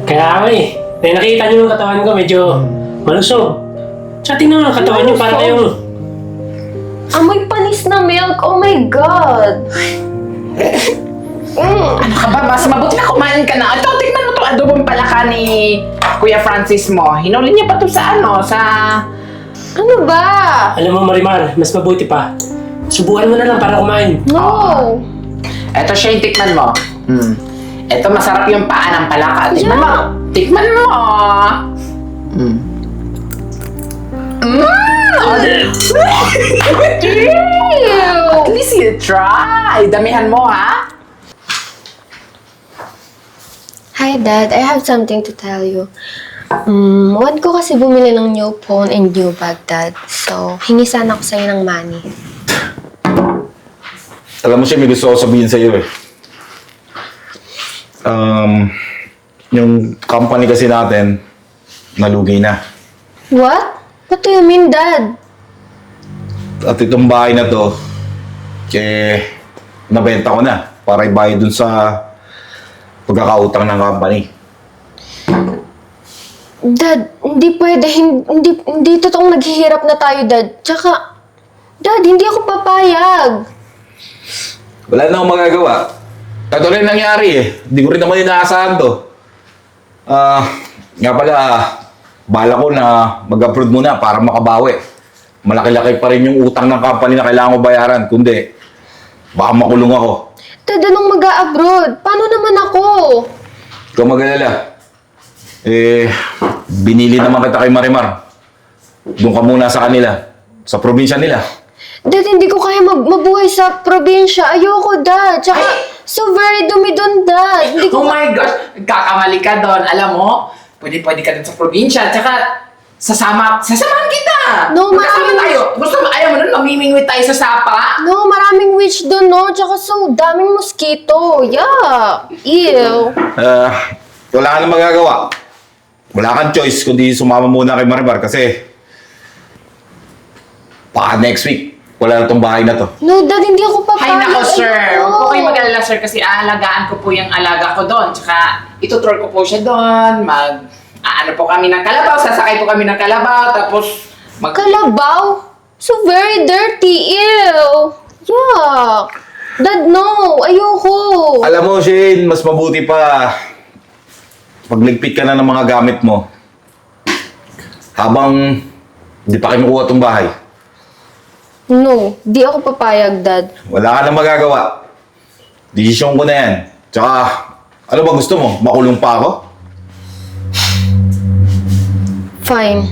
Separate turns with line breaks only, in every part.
Kaya nga eh. Nakita niyo yung katawan ko, medyo malusog. Tsaka tingnan mo ang katawan niyo, para kayong...
Amoy panis na milk. Oh my God.
Ano ka ba? Mas mabuti na kumain ka na. Ito, tingnan mo itong adobong palaka ni Kuya Francis mo. Hinuli niya pa to sa
Ano ba?
Alam mo Marimar, mas mabuti pa. Subukan mo na lang para kumain.
No.
Ito siya yung tikman mo. Ito masarap yung paa ng palaka. Tikman mo. Tikman mo. At least you try. Damihan mo, ha?
Hi, Dad. I have something to tell you. Want ko kasi bumili ng new phone and new bag, Dad. So, hingi sana ako sa'yo ng money.
Alam mo siya, may gusto ko sabihin sa'yo eh. Yung company kasi natin, nalugi na.
What? What do you mean, Dad?
At itong bahay na to, nabenta ko na para ibayad dun sa pagkakautang ng company.
Dad, hindi pwede. Hindi totoong naghihirap na tayo, Dad. Tsaka, Dad, hindi ako papayag.
Wala na akong magagawa. Ito rin nangyari eh. Hindi ko rin naman inaasahan to. Nga pala, bala ko na mag-upload muna para makabawi. Malaki-laki pa rin yung utang ng company na kailangan ko bayaran. Kundi, baka makulong ako.
Dad, anong mag-a-abroad? Paano naman ako?
Ikaw mag-alala. Binili naman kita kay Marimar. Doon ka muna sa kanila. Sa probinsya nila.
Dad, hindi ko kaya mabuhay sa probinsya. Ayoko, Dad. Tsaka, so very dumi doon, Dad. Hindi ko...
Oh my gosh, kakamali ka doon. Alam mo, pwede ka doon sa probinsya. Tsaka, sasamahan kita.
No,
Magkasama tayo. Gusto mo, ayaw mo nun, mamimingwit tayo sa sapa?
No, maraming witch doon, no? Tsaka so daming mosquito. Yeah. Ew.
Wala ka na magagawa. Wala kang choice kundi sumama muna kay Marimar kasi baka next week, wala na tong bahay na to.
No, Dad, hindi ako papayag.
Hay nako, sir.
Ayoko.
Huwag po kayo mag-alala, sir, kasi aalagaan ko po yung alaga ko doon. Tsaka, itutroll ko po siya doon. Ano po kami ng kalabaw, sasakay po kami ng kalabaw, tapos
Kalabaw? So very dirty. Ew. Yuck. Dad, no. Ayoko.
Alam mo, Shane, mas mabuti pa pagligpit ka na ng mga gamit mo habang di pa kinukuha tong bahay.
No, di ako papayag, Dad.
Wala ka na magagawa. Desisyon ko na yan. Tsaka, ano ba gusto mo? Makulong pa ako?
Fine.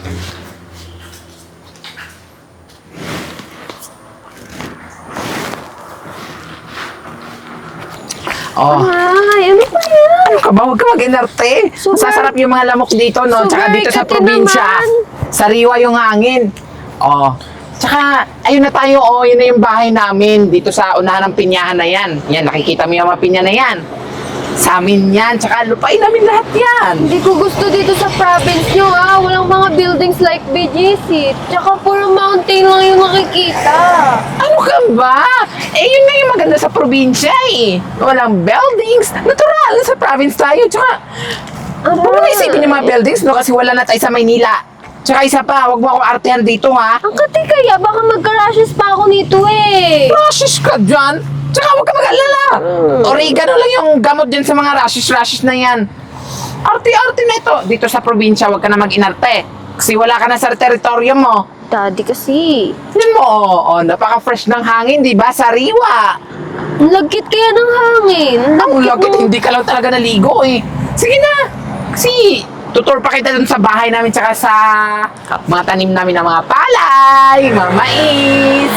Ay, ano ba yan?
ano ka ba? Huwag ka mag-inarte.
Super-
Sasarap yung mga lamok dito, no? Tsaka
Super
dito sa
ikati
probinsya.
naman.
Sariwa yung hangin. Oh. Tsaka, ayun na tayo, oh. Yun na yung bahay namin. Dito sa unahan ng pinyahan na yan. Yan, nakikita mo yung mga pinya na yan. Sa amin yan. Tsaka, lupain namin lahat yan.
Hindi ko gusto dito sa province nyo, ah. Walang mga buildings like BGC. Tsaka puro mountain lang yung nakikita.
Ano ka ba? Yun nga yung maganda sa probinsya, eh. Walang buildings. Natural, sa province tayo. Tsaka, huwag mo na isipin yung mga buildings, no? Kasi wala na tayo sa Maynila. Tsaka isa pa, huwag mo ako artehan dito, ha?
Ang kati kaya, baka magka-rashes pa ako nito eh.
Rashes ka dyan? Tsaka huwag ka mag-alala. Oregano lang yung gamot dyan sa mga rashes na yan. Arte-arte na ito. Dito sa probinsya, huwag ka na mag-inarte. Kasi wala ka na sa teritoryo mo.
Daddy kasi.
Tignan mo, napaka-fresh ng hangin, di ba? Sariwa.
Ang lagkit kaya ng hangin.
Ang lagit, hindi ka lang talaga naligo, eh. Sige na. Kasi, tutur pa kita dun sa bahay namin tsaka sa mga tanim namin ng mga palay, mga mais.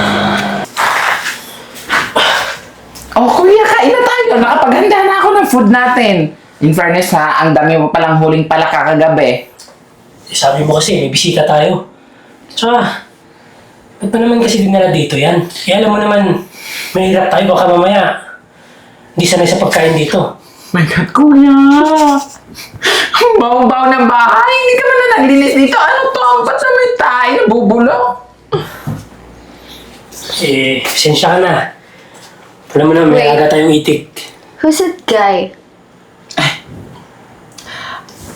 Oh, kuya, kain na tayo. Nakapaghanda na ako ng food natin. In fairness, ha, ang dami mo palang huling palaka kagabi.
Sabi mo kasi, may bisita tayo. Tsaka, ba't pa naman kasi dinala dito yan? Kaya alam mo naman, mahirap tayo, baka mamaya hindi sanay sa pagkain dito.
My God, kuya! Ang baho-baho ng bahay. Hindi ka man na naglinis dito. Ano to? Ba't na may tayo? Nabubulok?
Pasensya ka na. Alam mo na, may
Wait.
aga tayong itik.
Who's that guy?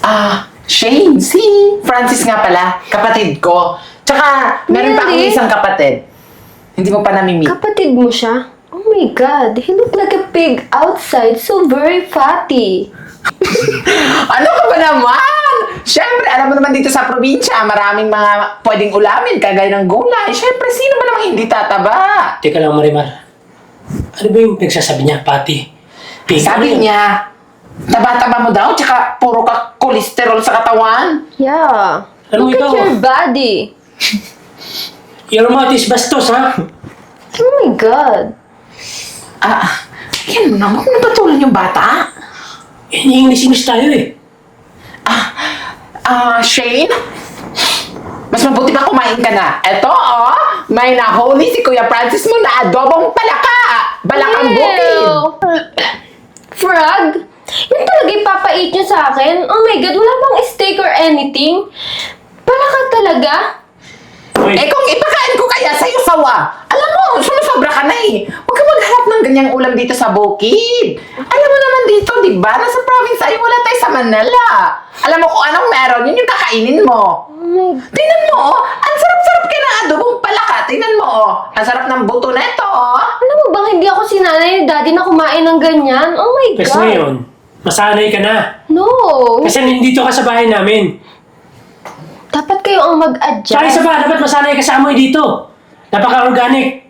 Shane, si Francis nga pala, kapatid ko. Tsaka, meron pa akong
Really?
isang kapatid. Hindi mo pa nami-meet.
Kapatid mo siya? Oh my God, he looked like a pig outside, so very fatty.
Ano ka ba naman? Siyempre, alam mo naman dito sa probinsya, maraming mga pwedeng ulamin, kagaya ng gulay. Siyempre, sino ba namang hindi tataba?
Teka lang, Marimar. Ano ba yung pinagsasabi niya, Pati?
Sabi niya, taba-taba mo daw, tsaka puro ka kolesterol sa katawan.
Yeah.
Ano
Look
ikaw?
at your body.
Your mouth is bastos, ha?
Oh my God.
Yan mo na, huwag mo patulan yung bata.
English tayo eh.
Shane? Mas mabuti pa kumain ka na. Eto, may nahuli si Kuya Francis mo na adobong palaka. Balakang bukid.
Ew. Frog? Yun talaga ipapait niyo sa akin? Oh my God, wala bang steak or anything? Pala ka talaga?
Uy,
Kung ipakain ko kaya sa'yo sawa, alam mo, sumusobra ka na eh. Huwag ka maghanap ng ganyang ulam dito sa bukid. Alam mo naman dito, di ba? Nasa province ay wala tayo sa Manila. Alam mo kung anong meron, yun yung kakainin mo.
Oh my God.
Tingnan mo, ang sarap-sarap ka ng adobong palaka. Tingnan mo, ang sarap ng buto neto.
Alam mo bang hindi ako sinanay ni Daddy na kumain ng ganyan? Oh my
kasi
God.
ngayon, masanay ka na.
No.
Kasi nandito ka sa bahay namin.
Dapat kayo ang
Tsaka isa
mag-adjust.
pa, dapat masanay ka sa amoy dito. Napaka-organic.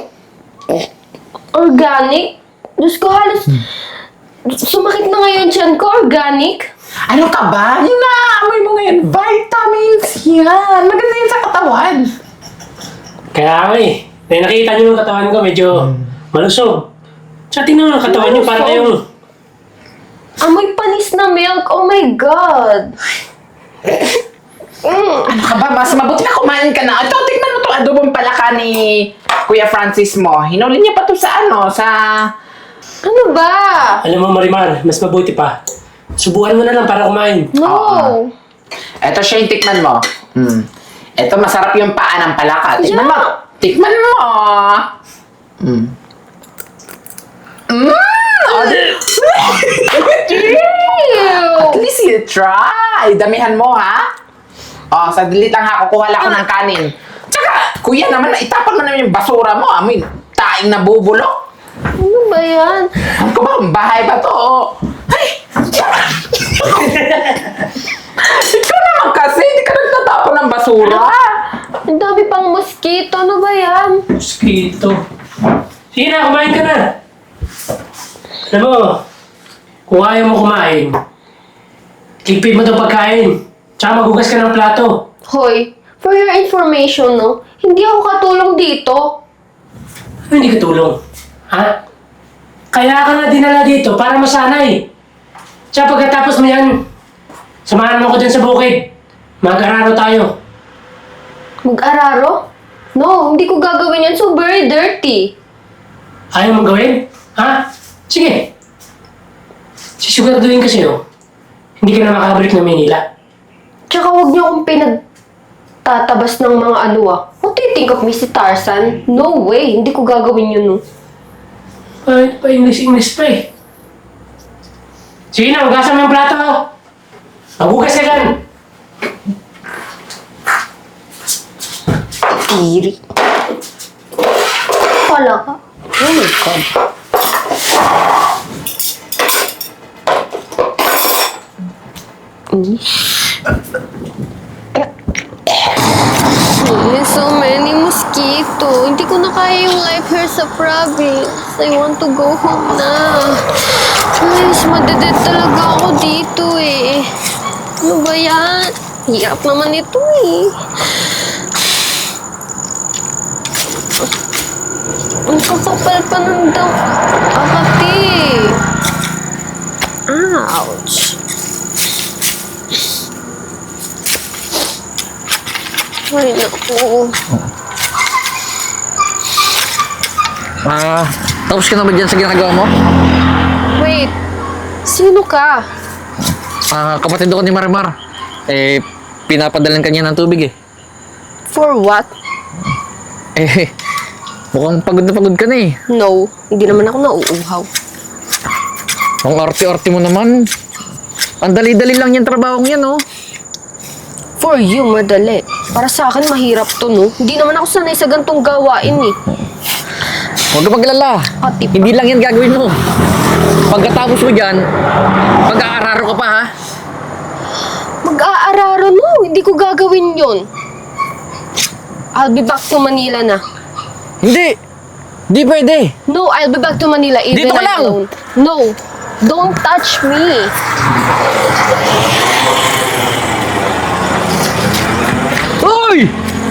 Organic? Diyos ko, halos sumakit na ngayon tiyan ko. Organic?
Ano ka ba? Yung naamoy mo ngayon, vitamins yan. Maganda yan sa katawan.
Kaya nga eh. Nakita niyo yung katawan ko, medyo malusog. Tsaka tingnan mo yung katawan niyo, para yung...
Amoy panis na milk. Oh my God.
Ano ka ba? Mas mabuti na kumain ka na. Ito, tignan mo itong adobong palaka ni Kuya Francis mo. Hinuli niya pa to sa
Ano ba?
Alam mo, Marimar, mas mabuti pa. Subukan mo na lang para kumain.
No.
Ito siya yung tikman mo. Ito, masarap yung paa ng palaka. Tikman
Yeah.
mo. Tikman mo. At
Ew.
least you try. Damihan mo, ha? Sadali lang ha. Kukuha lang ako ng kanin. Tsaka, kuya naman, itapon mo naman yung basura mo. Amoy, taing nabubulok.
Ano ba yan?
Ano ko ba? Bahay ba to? Ay! Ikaw naman kasi, hindi ka nagtatapon ng basura.
Ang dami pang mosquito. Ano ba yan?
Mosquito. Sige na, kumain ka na. Alam mo, kung ayaw mo kumain, tipid mo itong pagkain. Tsaka magugas ka ng plato.
Hoy, for your information, no? Hindi ako katulong dito.
Ano hindi ka tulong? Ha? Kaya ka na dinala dito para masanay. Tsaka pagkatapos mo yan, samahan mo ko dyan sa bukid. Mag-araro tayo.
Mag-araro? No, hindi ko gagawin yan. So very dirty.
Ayaw mong gawin? Ha? Sige. Sisiguraduhin kasi hindi ka na makabalik ng Manila.
Tsaka huwag niyo akong pinagtatabas ng mga What do you think of me si Tarzan? No way, hindi ko gagawin yun, no.
Ay, pa English pa eh. Sige na, hugasan mo yung plato. Maghugas ka dyan.
Iri. Wala ka. Oh my God. There's so many mosquito. Hindi ko na kaya yung life here sa province. I want to go home na. Guys, madedead talaga ako dito eh. Ano ba yan? Hirap naman ito eh. Ang kakapal pa ng daw. Akati. Ouch. Ay, naku.
Tapos ka na ba dyan sa ginagawa mo?
Wait. Sino ka?
Kapatid ako ni Marimar. Pinapadalan kanya ng tubig eh.
For what?
Mukhang pagod na pagod ka na eh.
No, hindi naman ako nauuhaw.
Ang arte-arte mo naman. Ang dali-dali lang yung trabaho yan, oh.
For you, madali. Para sa akin, mahirap to, no? Hindi naman ako sanay sa gantong gawain, eh.
Huwag ka maglala.
Ati pa.
Hindi lang yan gagawin mo. Pagkatapos mo dyan, mag-aararo ka pa, ha?
Mag-aararo, no? Hindi ko gagawin yon. I'll be back to Manila na.
Hindi! Hindi pwede!
No, I'll be back to Manila even
Dito ka
I'm
lang.
alone. No, don't touch me.
Hoy!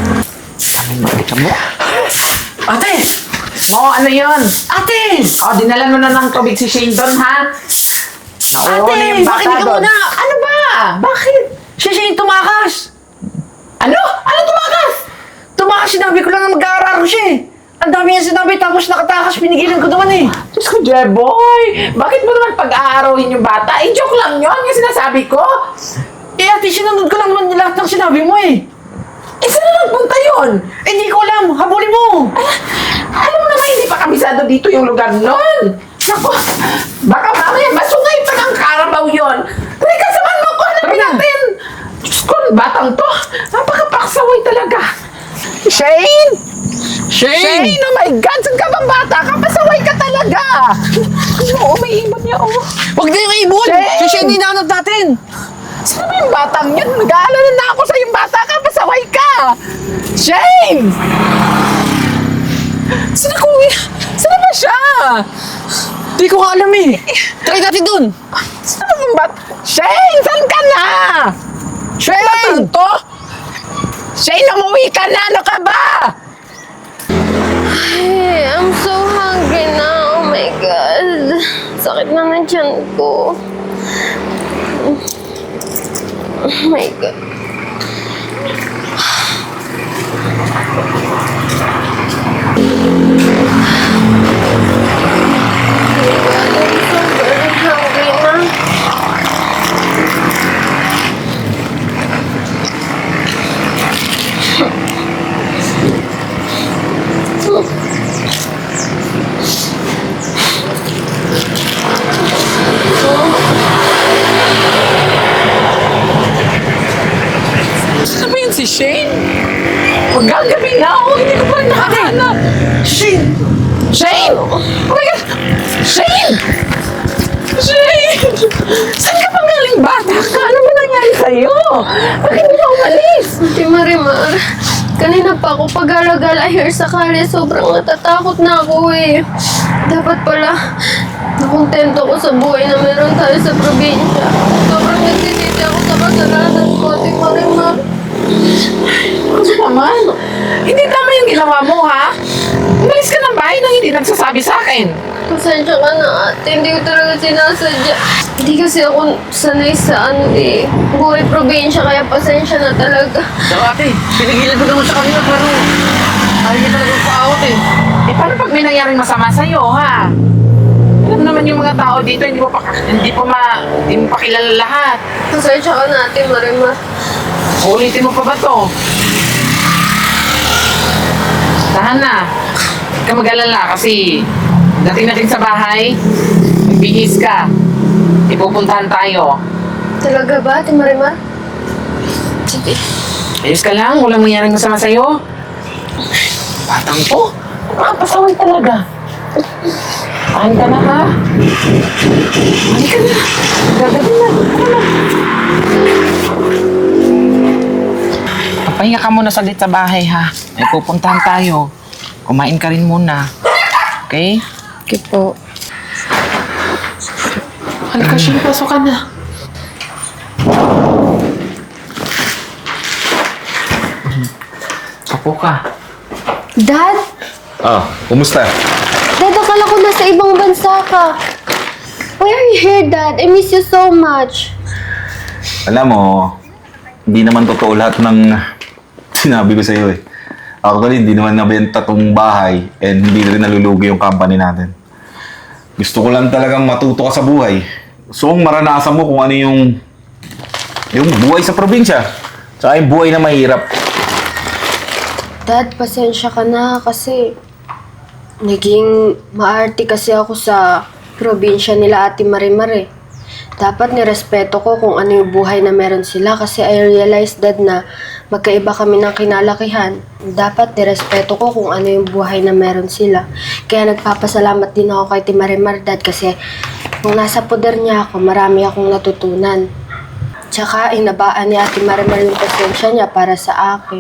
Ate! Oo, ano yun? Ate! O, dinala mo na ng tubig si Shane doon, ha? Nakuha na yung bata
makinig ka
doon.
muna.
Ano ba? Bakit?
Siya siya yung tumakas.
Ano? Ano tumakas?
Tumakas, sinabi ko lang na mag-aaral siya eh. Ang dami niya sinabi, tapos nakatakas, pinigilan ko naman eh.
Diyos ko, Jeboy! Bakit mo naman pag-aarawin yung bata? Eh, joke lang yun, yung sinasabi ko.
Eh ate, sinunod ko lang naman lahat ng sinabi mo eh.
Eh, saan na nagpunta yun?
Eh di ko alam, habulin mo.
Alam mo naman, hindi pa kabisado dito yung lugar nun. Naku, baka mamaya masungay pa ng Carabao yun. Teka, samahan mo ko, hanapin natin. Diyos ko, batang to. Napakapaksaway talaga. Shane!
Shane!
Shane, oh my God, saan ka bang bata? Kapasaway ka talaga. Oo, may ibon niya, oh.
Huwag na yung ibon!
Shane!
Si Shane yung hinahanap natin!
Sino ba yung batang yun? Nag-aalala na ako sa yung bata ka. Pasaway ka! Shane! Sino ko? Sino ba siya?
Di ko nga alam eh! Try natin dun!
Sino ba yung bata? Shane! Saan ka na?
Shane!
Batang to? Shane, umuwi ka na! Ano ka ba?
Hey, I'm so hungry now. Oh my God. Sakit na ng tiyan ko. Oh my God. I'm so very hungry na.
Sino ba yun si Shane? Magagabi na ako. Hindi ko pa nakahanap. Shane! Shane! Oh my God! Shane! Shane! Saan ka pang galing bata ka? Ano ba nangyari sa'yo? Bakit hindi ka umalis?
Ate Marimar, kanina pa ako pag-alagala here sa kare. Sobrang natatakot na ako eh. Dapat pala, nakontento ko sa buhay na meron tayo sa probinsya. Sobrang nagsisisi ako sa kasalanan ko, Ate Marimar.
Ano naman? Hindi tama yung ginawa mo, ha? Umalis ka ng bahay nang hindi nagsasabi sa akin.
Pasensya ka na, ate. Hindi ko talaga sinasadya. Hindi kasi ako sanay sa buhay probinsya, kaya pasensya na talaga.
So ate, pinigilan ko naman sa kanila pero ayaw niya talaga paawat eh.
Eh, paano pag may nangyaring masama sa'yo, ha? Alam naman yung mga tao dito, hindi mo pa kilala lahat.
Pasensya ka na, Ate Marimar.
Ulitin mo pa ba to? Tahan na. Huwag ka mag-alala kasi dating natin sa bahay, magbihis ka. Ipupuntahan tayo.
Talaga ba, Ate Marimar? Sige.
Ayos ka lang, walang mangyaring masama sa'yo. Batang to, nakapasaway talaga. Tahan ka na, ha? Halika na. Gagabi na. Tara na. Papahinga ka muna saglit sa bahay, ha? May pupuntahan tayo. Kumain ka rin muna. Okay?
Okay po.
Halika, Shane, pasok ka na. Apo ka.
Dad?
Kumusta?
Dad, akala ko nasa ibang bansa ka. Why are you here, Dad? I miss you so much.
Alam mo, hindi naman totoo lahat ng sinabi ko sa'yo eh. Actually, hindi naman nabenta tong bahay and hindi rin nalulugi yung company natin. Gusto ko lang talagang matuto ka sa buhay. Gusto kong maranasan mo kung ano yung buhay sa probinsya. Tsaka yung buhay na mahirap.
Dad, pasensya ka na kasi naging maarte kasi ako sa probinsya nila Ate Marimar eh. Dapat nirespeto ko kung ano yung buhay na meron sila kasi I realized, Dad, na magkaiba kami ng kinalakihan. Dapat nirespeto ko kung ano yung buhay na meron sila. Kaya nagpapasalamat din ako kay Ate Marimar, Dad, kasi kung nasa poder niya ako, marami akong natutunan. Tsaka inabaan ni Ate Marimar yung pasensya niya para sa akin.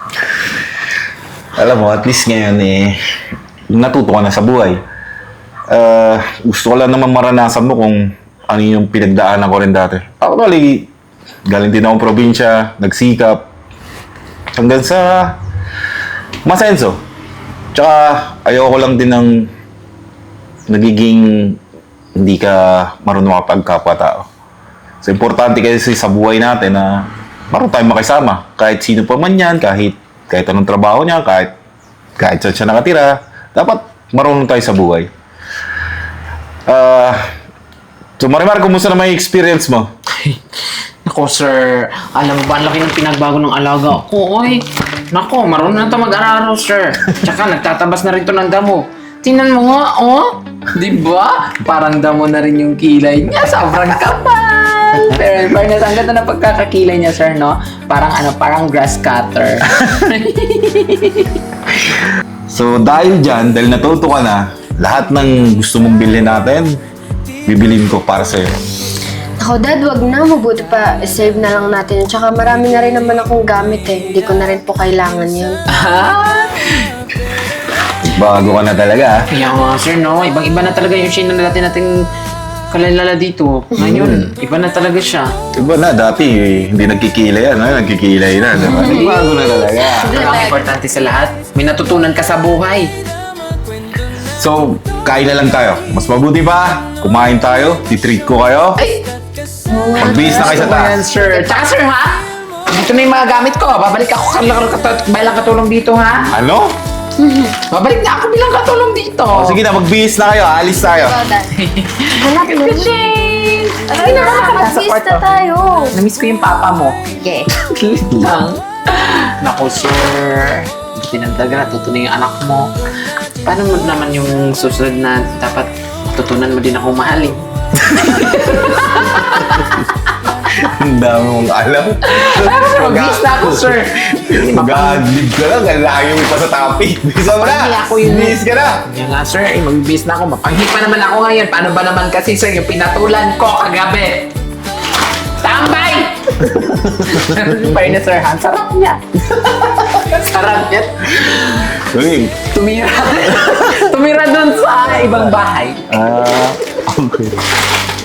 Alam mo, at least ngayon natuto ka na sa buhay. Gusto ko lang naman maranasan mo kung ano yung pinagdaanan ko rin dati. Actually, galing din akong probinsya, nagsikap, hanggang sa masenso. Tsaka, ayoko lang din ng nagiging hindi ka marunong makapagkapwa-tao. So, importante kasi sa buhay natin na marunong tayong makisama. Kahit sino pa man yan, kahit anong trabaho niya, kahit saan siya nakatira, dapat marunong tayo sa buhay. So Marimar, kumusta na may experience mo?
Nako, sir. Alam mo ba, ang laki ng pinagbago ng alaga ko, oy. Nako, marunong na ito mag-araro, sir. Tsaka, nagtatabas na rin ito ng damo. Tingnan mo nga, oh. Di ba? Parang damo na rin yung kilay niya. Sobrang kapal. Pero in fairness, ang ganda ng pagkakakilay niya, sir, no? Parang grass cutter.
So dahil dyan, dahil natuto ka na, lahat ng gusto mong bilhin natin, bibilin ko para sa'yo.
Ako, Dad, wag na. Mabuti pa, save na lang natin. Tsaka marami na rin naman akong gamit eh. Hindi ko na rin po kailangan yun.
Bago ka na talaga,
Kaya nga, sir, no? Ibang-iba na talaga yung shade na dati nating kalalala dito. Ngayon, iba na talaga siya.
Diba na, dati hindi nagkikilay yan, nagkikilay na. Diba? Bago na talaga.
Pero ang importante sa lahat, may natutunan ka sa buhay.
So, kain na lang tayo. Mas mabuti pa, kumain tayo, titreat ko kayo.
Ay!
Magbihis na kayo sa taas.
Ayan, sir. Tsaka, sir, ha? Dito na yung mga gamit ko. Babalik ako bilang katulong dito, ha?
Ano?
Babalik na ako bilang katulong dito.
O, sige na, magbihis na kayo, alis tayo.
Anak mo. Ay, nakakapag-feast na tayo.
Namiss ko yung papa mo.
Okay.
Lang. Naku, sir. Hindi na talaga natutunan yung anak mo. Paano mo naman yung susunod na dapat tutunan mo din akong mahalin?
Ang dami mong alam.
Mag-miss na ako, sir.
Mag-adlib ka lang, ang layo mo pa sa topic. Bisa mo
Hindi
na,
ako yun.
bihis ka na.
Kaya nga, sir, mag-miss na ako. Mapanghi pa naman ako ngayon. Paano ba naman kasi, sir, yung pinatulan ko kagabi? Tambay! Fairness, sir, ha? Sarap niya. Sarap niya.
Uy,
Tumira. Tumira dun sa ibang bahay.
okay.